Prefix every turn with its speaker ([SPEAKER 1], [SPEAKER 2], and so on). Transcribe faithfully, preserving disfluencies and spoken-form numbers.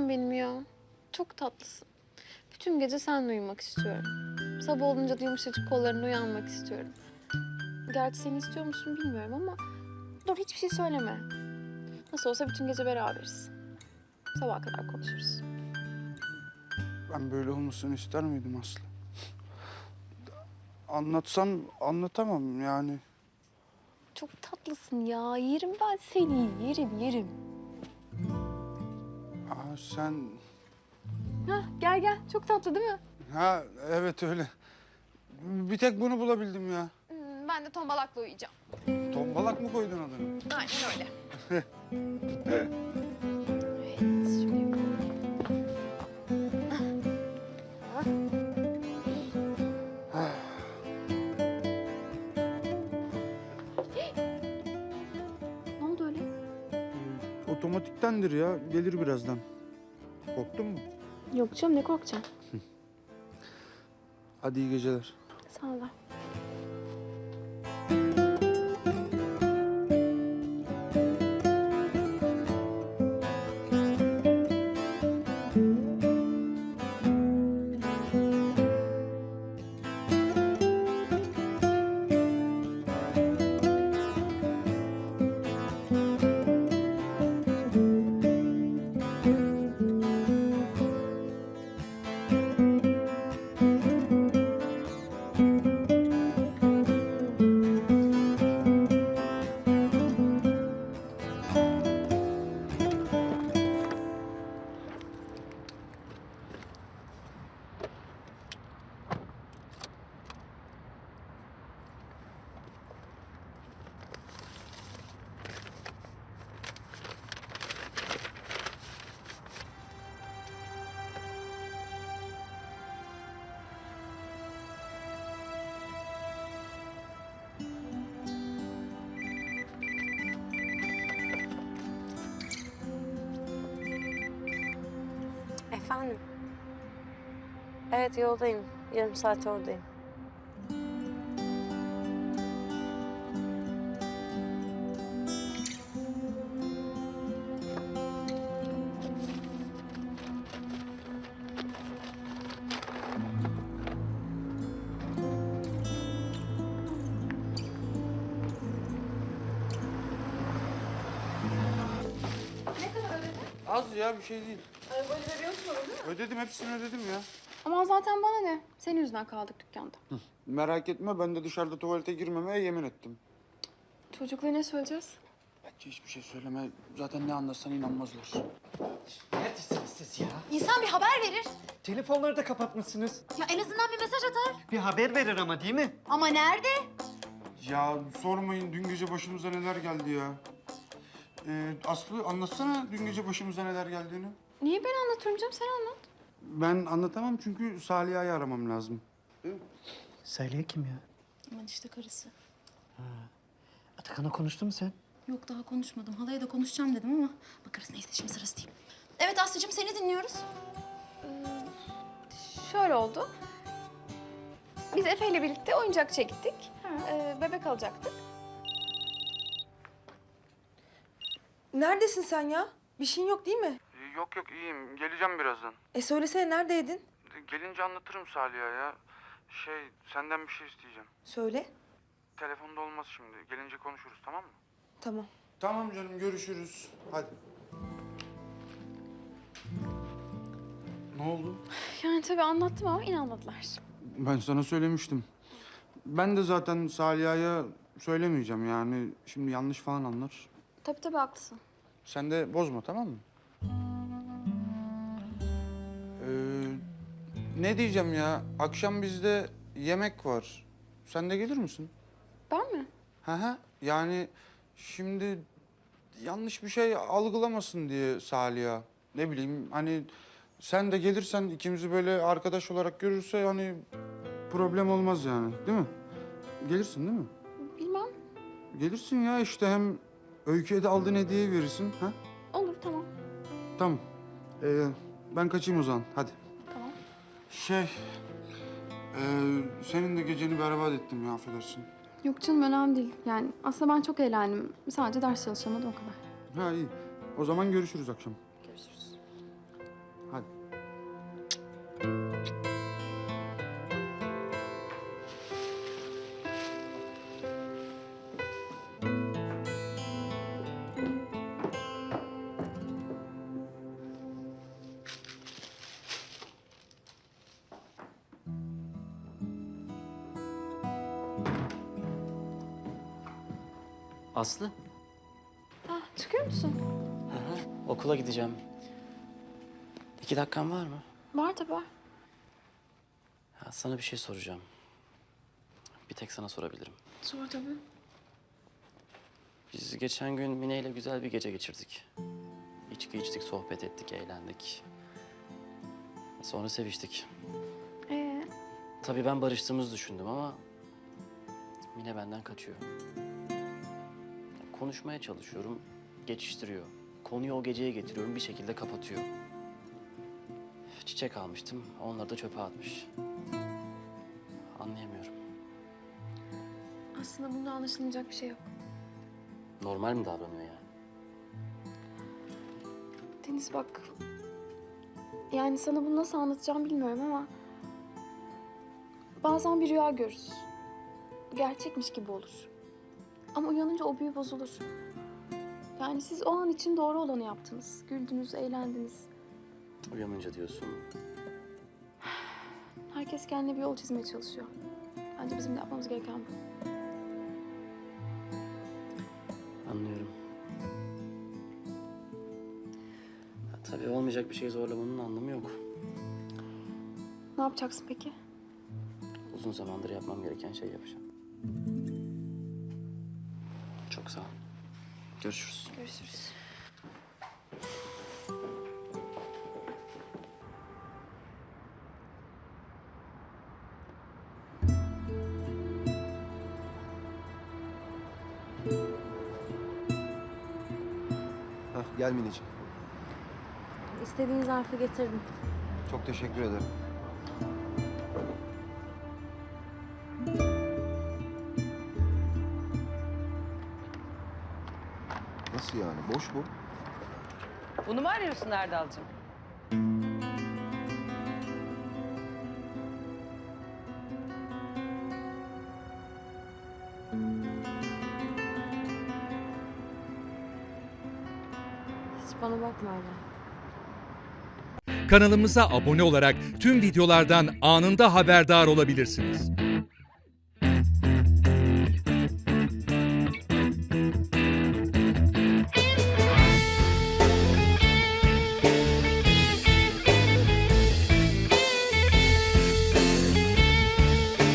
[SPEAKER 1] tanem benim ya. Çok tatlısın. Bütün gece seninle uyumak istiyorum. Sabah olunca da yumuşacık kollarına uyanmak istiyorum. Gerçi seni istiyor musun bilmiyorum ama... Dur hiçbir şey söyleme. Nasıl olsa bütün gece beraberiz. Sabaha kadar konuşuruz.
[SPEAKER 2] Ben böyle olmasını ister miydim Aslı? Anlatsam anlatamam yani.
[SPEAKER 1] Çok tatlısın ya. Yerim ben seni. Yerim, yerim.
[SPEAKER 2] Aa, sen...
[SPEAKER 1] Hah, gel gel. Çok tatlı değil mi?
[SPEAKER 2] Ha evet öyle. Bir tek bunu bulabildim ya.
[SPEAKER 1] Hmm, ben de tombalakla uyuyacağım.
[SPEAKER 2] Tombalak mı koydun adını?
[SPEAKER 1] Aynen öyle. Evet, şöyle yapalım. Ne oldu öyle?
[SPEAKER 2] Otomatiktendir ya. Gelir birazdan. Korktun mu?
[SPEAKER 1] Yok canım, ne korkacağım?
[SPEAKER 2] Hadi iyi geceler.
[SPEAKER 1] Sağ ol.
[SPEAKER 3] Efendim? Evet, yoldayım. Yarım saat oradayım.
[SPEAKER 2] Az ya bir şey değil.
[SPEAKER 1] Arabayı veriyorsun değil mi?
[SPEAKER 2] Ödedim hepsini ödedim ya.
[SPEAKER 1] Ama zaten bana ne? Senin yüzünden kaldık dükkanda.
[SPEAKER 2] Merak etme ben de dışarıda tuvalete girmemeye yemin ettim.
[SPEAKER 1] Çocuklara ne söyleyeceğiz?
[SPEAKER 2] Bence hiçbir şey söyleme. Zaten ne anlatsan inanmazlar.
[SPEAKER 4] Neredesiniz siz ya?
[SPEAKER 5] İnsan bir haber verir.
[SPEAKER 4] Telefonları da kapatmışsınız.
[SPEAKER 5] Ya en azından bir mesaj atar.
[SPEAKER 4] Bir haber verir ama değil mi?
[SPEAKER 5] Ama nerede?
[SPEAKER 2] Ya sormayın dün gece başımıza neler geldi ya. Ee, Aslı anlatsana dün gece başımıza neler geldiğini.
[SPEAKER 1] Niye ben anlatıyorum canım? Sen anlat.
[SPEAKER 2] Ben anlatamam çünkü Saliha'yı aramam lazım.
[SPEAKER 4] Salih kim ya?
[SPEAKER 5] Aman işte karısı.
[SPEAKER 4] Atakan'la konuştun mu sen?
[SPEAKER 5] Yok daha konuşmadım. Halaya da konuşacağım dedim ama bakarız neyse şimdi sırası değil. Evet Aslı'cığım seni dinliyoruz.
[SPEAKER 1] Şöyle oldu. Biz Efe ile birlikte oyuncakçıya gittik. Ee, bebek alacaktık.
[SPEAKER 6] Neredesin sen ya? Bir şeyin yok değil mi?
[SPEAKER 2] Yok yok iyiyim. Geleceğim birazdan.
[SPEAKER 6] E söylesene neredeydin?
[SPEAKER 2] Gelince anlatırım Salih'a ya. Şey senden bir şey isteyeceğim.
[SPEAKER 6] Söyle.
[SPEAKER 2] Telefonda olmaz şimdi. Gelince konuşuruz tamam mı?
[SPEAKER 6] Tamam.
[SPEAKER 2] Tamam canım görüşürüz. Hadi. Ne oldu?
[SPEAKER 1] Yani tabii anlattım ama inanmadılar.
[SPEAKER 2] Ben sana söylemiştim. Ben de zaten Saliha'ya söylemeyeceğim yani. Şimdi yanlış falan anlar.
[SPEAKER 1] Tabii tabii haklısın.
[SPEAKER 2] Sen de bozma tamam mı? Ee, ne diyeceğim ya? Akşam bizde yemek var. Sen de gelir misin?
[SPEAKER 1] Ben mi?
[SPEAKER 2] Hı hı. Yani şimdi yanlış bir şey algılamasın diye Salih'a. Ne bileyim hani sen de gelirsen ikimizi böyle arkadaş olarak görürse hani problem olmaz yani değil mi? Gelirsin değil mi?
[SPEAKER 1] Bilmem.
[SPEAKER 2] Gelirsin ya işte hem Öykü'ye de aldığın hediyeyi verirsin. Ha?
[SPEAKER 1] Olur tamam.
[SPEAKER 2] Tamam. Ee, ben kaçayım o zaman. Hadi.
[SPEAKER 1] Tamam.
[SPEAKER 2] Şey... ee, senin de geceni berbat ettim ya affedersin.
[SPEAKER 1] Yok canım önemli değil. Yani aslında ben çok eğlendim. Sadece ders çalışamadım o kadar.
[SPEAKER 2] Ha iyi. O zaman görüşürüz akşam.
[SPEAKER 1] Görüşürüz.
[SPEAKER 7] Aslı.
[SPEAKER 1] Ah, çıkıyor musun?
[SPEAKER 7] Hı hı, okula gideceğim. İki dakikan var mı?
[SPEAKER 1] Var tabii var.
[SPEAKER 7] Ya sana bir şey soracağım. Bir tek sana sorabilirim.
[SPEAKER 1] Sor tabii.
[SPEAKER 7] Biz geçen gün Mine ile güzel bir gece geçirdik. İçki içtik, sohbet ettik, eğlendik. Sonra seviştik.
[SPEAKER 1] Ee,
[SPEAKER 7] Tabii ben barıştığımızı düşündüm ama Mine benden kaçıyor. Konuşmaya çalışıyorum, geçiştiriyor. Konuyu o geceye getiriyorum, bir şekilde kapatıyor. Çiçek almıştım, onları da çöpe atmış. Anlayamıyorum.
[SPEAKER 1] aslında bunda anlaşılmayacak bir şey yok.
[SPEAKER 7] Normal mi davranıyor yani?
[SPEAKER 1] Deniz bak. Yani sana bunu nasıl anlatacağım bilmiyorum ama... bazen bir rüya görürüz. Gerçekmiş gibi olur. Ama uyanınca o büyü bozulur. Yani siz o an için doğru olanı yaptınız. Güldünüz, eğlendiniz.
[SPEAKER 7] Uyanınca diyorsun.
[SPEAKER 1] Herkes kendine bir yol çizmeye çalışıyor. Bence bizim de yapmamız gereken bu.
[SPEAKER 7] Anlıyorum. Ya, tabii olmayacak bir şey zorlamanın anlamı yok.
[SPEAKER 1] Ne yapacaksın peki?
[SPEAKER 7] Uzun zamandır yapmam gereken şey yapacağım. Çok sağ ol. Görüşürüz.
[SPEAKER 1] Görüşürüz.
[SPEAKER 8] Hah, gel Mineciğim.
[SPEAKER 3] İstediğin zarfı getirdim.
[SPEAKER 8] Çok teşekkür ederim. Nasıl yani? Boş bu.
[SPEAKER 6] Bunu mu arıyorsun Erdal'cığım?
[SPEAKER 3] Hiç bana bakma öyle.
[SPEAKER 9] Kanalımıza abone olarak tüm videolardan anında haberdar olabilirsiniz.